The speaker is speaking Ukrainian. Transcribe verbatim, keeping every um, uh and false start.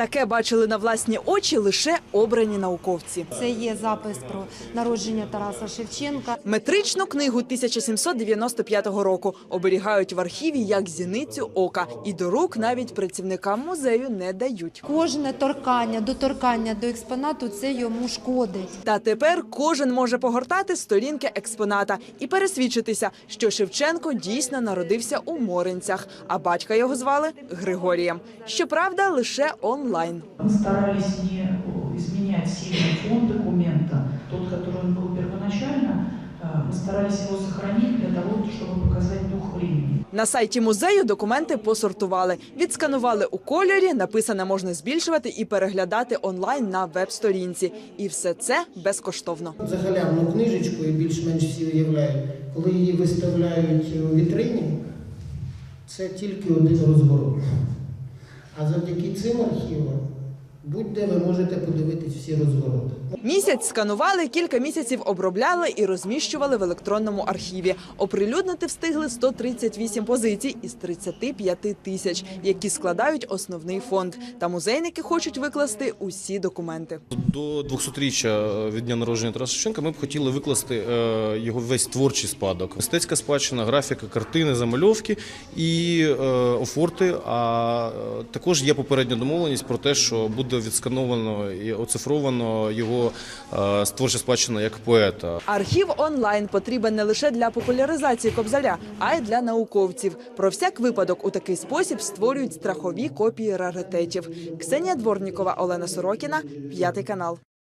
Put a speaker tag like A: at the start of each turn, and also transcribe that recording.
A: Таке бачили на власні очі лише обрані науковці.
B: Це є запис про народження Тараса Шевченка.
A: Метричну книгу тисяча сімсот дев'яносто п'ятого року оберігають в архіві як зіницю ока. І до рук навіть працівникам музею не дають.
B: Кожне торкання, доторкання до експонату – це йому шкодить.
A: Та тепер кожен може погортати сторінки експоната і пересвідчитися, що Шевченко дійсно народився у Моринцях, а батька його звали Григорієм. Щоправда, лише онлайн.
C: Мы старались не изменять сильный фон документа, тот, который он был первоначально, мы старались его сохранить для того, чтобы показать дух времени.
A: На сайті музею документи посортували. Відсканували у кольорі, написане можна збільшувати і переглядати онлайн на веб-сторінці. І все це безкоштовно.
D: Загалявну книжечку, і більш-менш всі уявляють, коли її виставляють у вітрині, це тільки один розворот. А завдяки цим архівам будь-де ви можете подивитись всі розвороти.
A: Місяць сканували, кілька місяців обробляли і розміщували в електронному архіві. Оприлюднити встигли сто тридцять вісім позицій із тридцяти п'яти тисяч, які складають основний фонд. Та музейники хочуть викласти усі документи.
E: До двохсотріччя від дня народження Тараса Шевченка ми б хотіли викласти його весь творчий спадок. Мистецька спадщина, графіка, картини, замальовки і офорти. А також є попередня домовленість про те, що буде відскановано і оцифровано його творча спадщина як поета.
A: Архів онлайн потрібен не лише для популяризації Кобзаря, а й для науковців. Про всяк випадок у такий спосіб створюють страхові копії раритетів. Ксенія Дворнікова, Олена Сорокіна, П'ятий канал.